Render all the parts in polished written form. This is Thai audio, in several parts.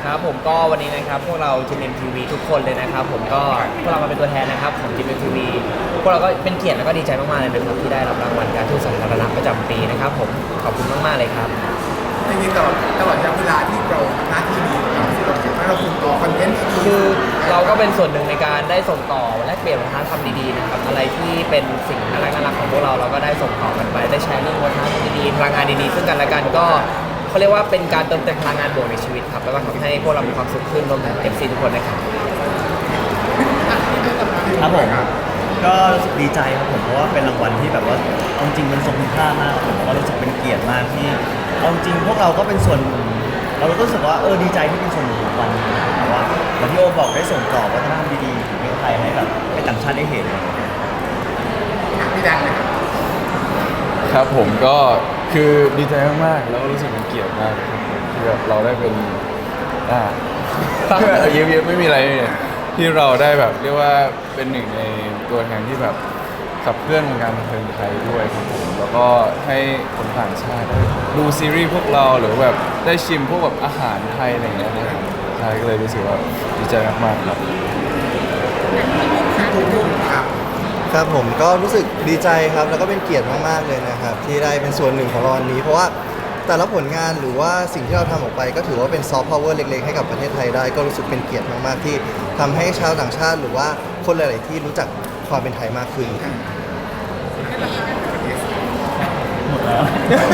ครับผมก็วันนี้นะครับพวกเราจีเอ็มทีวีทุกคนเลยนะครับผมก็พวกเรามาเป็นตัวแทนนะครับของจีเอ็มทีวีพวกเราก็เป็นเกียรติแล้วก็ดีใจมากๆเลยนะครับที่ได้รับรางวัลการทูตสาธารณะประจำปีนะครับผมขอบคุณมากๆเลยครับจริงๆตลอดระยะเวลาที่เราทำหน้าที่นี้เราคิดว่าเราส่งต่อคอนเทนต์คือเราก็เป็นส่วนหนึ่งในการได้ส่งต่อและเปลี่ยนวัฒนธรรมดีๆนะครับอะไรที่เป็นสิ่งน่ารักๆของพวกเราก็ได้ส่งต่อกันไปได้แชร์เรื่องวัฒนธรรมดีๆพลังงานดีๆซึ่งกันและกันก็เขาเรียกว่าเป็นการเติมเต็มพลังงานบวกในชีวิตครับแล้วก็ทำให้พวกเรามีความสุขขึ้นรวมถึง FC ทุกคนนะครับครับผมก็รู้สึกดีใจครับผมเพราะว่าเป็นรางวัลที่แบบว่าเอาจริงมันทรงคุณค่ามากผมก็รู้สึกเป็นเกียรติมากที่เอาจริงพวกเราก็เป็นส่วนเราก็รู้สึกว่าดีใจที่เป็นส่วนหนึ่งของวันนี้แต่ว่าเหมือนที่โอบอกได้ส่งต่อวัฒนธรรมดีๆของประเทศไทยให้แบบให้ต่างชาติได้เห็นพี่ดังเลยครับผมก็คือดีใจมากๆแล้วก็รู้สึกเป็นเกียรติมากที่แบบเราได้เป็นเยอะๆไม่มีอะไรเนี่ยที่เราได้แบบเรียกว่าเป็นหนึ่งในตัวแทนที่แบบขับเคลื่อนวงการบันเทิงไทยด้วยครับผมแล้วก็ให้คนต่างชาติดูซีรีส์พวกเราหรือแบบได้ชิมพวกแบบอาหารไทยอะไรอย่างเงี้ยนะครับใช่ก็เลยรู้สึกว่าดีใจมากๆครับครับผมก็รู้สึกดีใจครับแล้วก็เป็นเกียรติมากๆเลยนะครับที่ได้เป็นส่วนหนึ่งของรางวัลนี้เพราะว่าแต่ละผลงานหรือว่าสิ่งที่เราทำออกไปก็ถือว่าเป็นซอฟต์พาวเวอร์เล็กๆให้กับประเทศไทยได้ก็รู้สึกเป็นเกียรติมากๆที่ทำให้ชาวต่างชาติหรือว่าคนหลายๆที่รู้จักความเป็นไทยมากขึ้นหมดแล้ว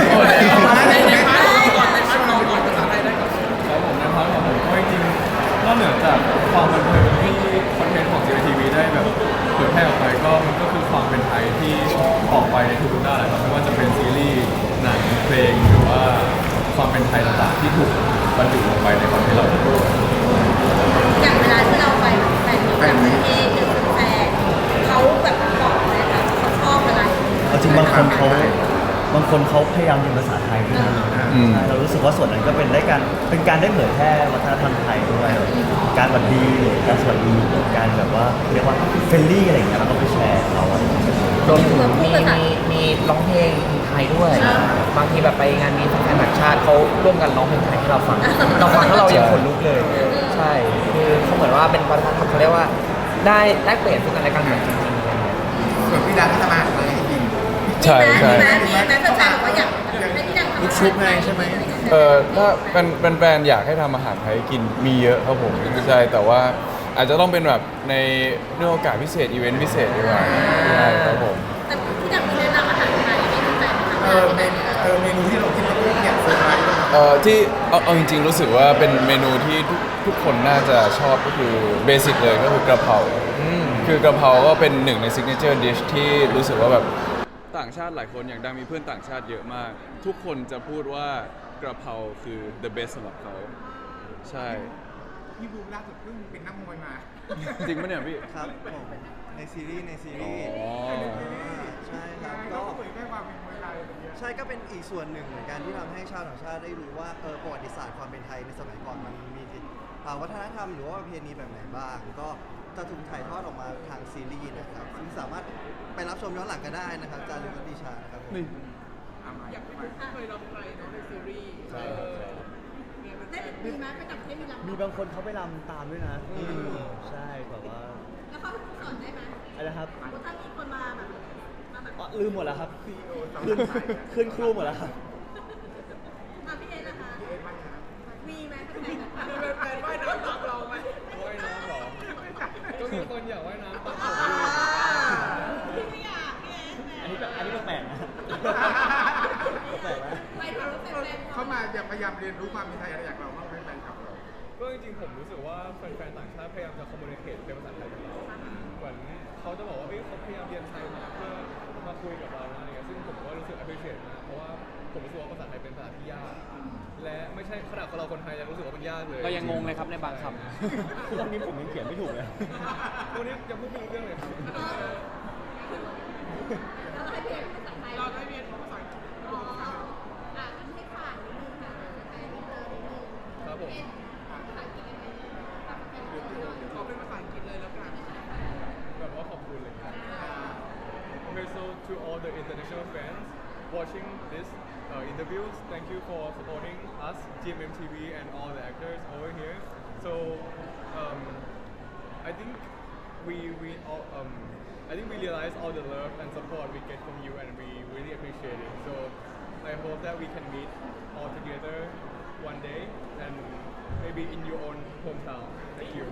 ครับผมในพาร์ทของผมก็จริงๆนอกเหนือจากความบันเทิงที่คอนเทนต์ของ JTV ได้แบบเผยแพร่ออกไปก็มันก็คือความเป็นไทยที่ออกไปในทุกๆด้านเลยครับไม่ว่าจะเป็นซีรีส์หนังเพลงหรือว่าความเป็นไทยต่างๆที่ถูกบรรจุลงไปในคอนเทนต์เราด้วยอย่างเวลาที่เราไปแฟนมีต่างประเทศหรือแฟนเขาแบบบอกเลยค่ะเขาชอบอะไรเอาจริงบางคนเขาพยายามเรียนภาษาไทยด้วยนะเรารู้สึกว่าส่วนนั้นก็เป็นการได้เผยแพร่วัฒนธรรมไทยด้วยการหวัดดีหรือการสวัสดีหรือการแบบว่าเรียกว่าเฟรนลี่อะไรอย่างเงี้ยเราก็ไปแชร์เขารวมถึงมีร้องเพลงไทยด้วยบางทีแบบไปงานมีแฟนต่างชาติเขาร่วมกันร้องเพลงไทยให้เราฟังแล้วเรายังขนลุกเลยใช่คือเขาเหมือนว่าเป็นวัฒนธรรมเขาเรียกว่าได้แลกเปลี่ยนซึ่งกันและกันเหมือนจริงๆอะไรเงี้ยส่วนพี่ดังก็ทำอาหารเลยจริงใช่ใช่มีแฟนบอกว่าอยากให้พี่ดังทำลูกชุบไงใช่ไหมถ้าเป็นแฟนอยากให้ทำอาหารไทยกินมีเยอะครับผมใช่แต่ว่าอาจจะต้องเป็นแบบในเรื่องโอกาสพิเศษอีเวนต์พิเศษดีกว่าใช่ครับผมแต่พี่ดังมีแนะนำอาหารไทยให้แฟนๆเมนูที่เราคิดว่าเนี่ยเซอร์ไพรส์ที่เอาจริงๆรู้สึกว่าเป็นเมนูที่ทุกคนน่าจะชอบก็คือเบสิกเลยก็คือกระเพราคือกระเพราก็เป็นหนึ่งในซิกเนเจอร์ดิชที่รู้สึกว่าแบบต่างชาติหลายคนอย่างดังมีเพื่อนต่างชาติเยอะมากทุกคนจะพูดว่ากระเพราคือ the best สำหรับเขาใช่พี่บูมล่าสุดเพิ่งเป็นนักมวยมาจริงปะเนี่ยพี่ครับผมในซีรีส์ใช่ครับก็เผยแพร่ความเป็นมวยไทยใช่ก็เป็นอีกส่วนหนึ่งเหมือนกันที่ทำให้ชาวต่างชาติได้รู้ว่าประวัติศาสตร์ความเป็นไทยในสมัยก่อนมันมีวัฒนธรรมหรือว่าประเพณีแบบไหนบ้างก็จะถูกถ่ายทอดออกมาทางซีรีส์นะครับซึ่งสามารถไปรับชมย้อนหลังกันได้นะครับจารึกวัฒนิชานะครับผมอยากเคยลองไปเนาะในซีรีส์ได้มีไหมไปต่างประเทศมีรำมีบางคนเขาไปรำตามด้วยนะใช่แบบว่าแล้วเขาสอนได้ไหมอะไรครับถ้ามีคนมาแบบลืมหมดแล้วครับขึ้นครูหมดแล้วครับพี่เอนะคะมีไหมแฟนว่ายน้ำตามเราไหมว่ายน้ำหรอก็มีคนอยากว่ายน้ำตามพี่ไม่อยากอันนี้แปลกนะแปลกนะเขามาพยายามเรียนรู้ความเป็นไทยอะไรอย่างเราบ้างไหมแฟนคลับเราก็จริงๆผมรู้สึกว่าแฟนๆต่างชาติพยายามจะคอมมูนิเคชเป็นภาษาไทยกับเราเหมือนเขาจะบอกว่าเขาพยายามเรียนไทยมาเพื่อมาคุยกับเราอะไรเงี้ยซึ่งผมก็รู้สึก appreciate มากเพราะว่าผมรู้สึกว่าภาษาไทยเป็นภาษาที่ยากและไม่ใช่ขนาดเราคนไทยยังรู้สึกว่ามันยากเลยเรายังงงเลยครับในบางคำตอนนี้ผมยังเขียนไม่ถูกเลยวันนี้ยังพูดไม่รู้เรื่องเลยครับเราได้เรียนภาษาอังกฤษให้ผ่านนิดนึงค่ะแต่ไม่เจอนิดนึงครับผมภาษาอังกฤษยังไงเขาเป็นภาษาอังกฤษเลยแล้วกันแบบว่าขอบคุณเลยครับ Okay, so to all the international fans watching this interviews, thank you for supporting us us, GMMTV, and all the actors over here. So I think we all I think we realize all the love and support we get from you, and we really appreciate it. So I hope that we can meet all together one day, and maybe in your own hometown. Thank you.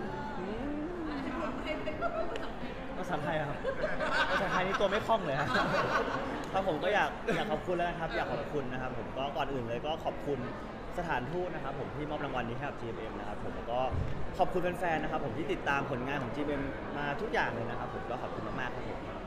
ภาษาไทยครับภาษาไทยนี่ตัวไม่คล่องเลยครับครับผมก็อยากขอบคุณแล้วนะครับอยากขอบคุณนะครับผมก็ก่อนอื่นเลยก็ขอบคุณสถานทูตนะครับผมที่มอบรางวัลนี้ให้กับ GMM นะครับผมแล้วก็ขอบคุณแฟนๆนะครับผมที่ติดตามผลงานของ GMM มาทุกอย่างเลยนะครับผมก็ขอบคุณมากๆครับผม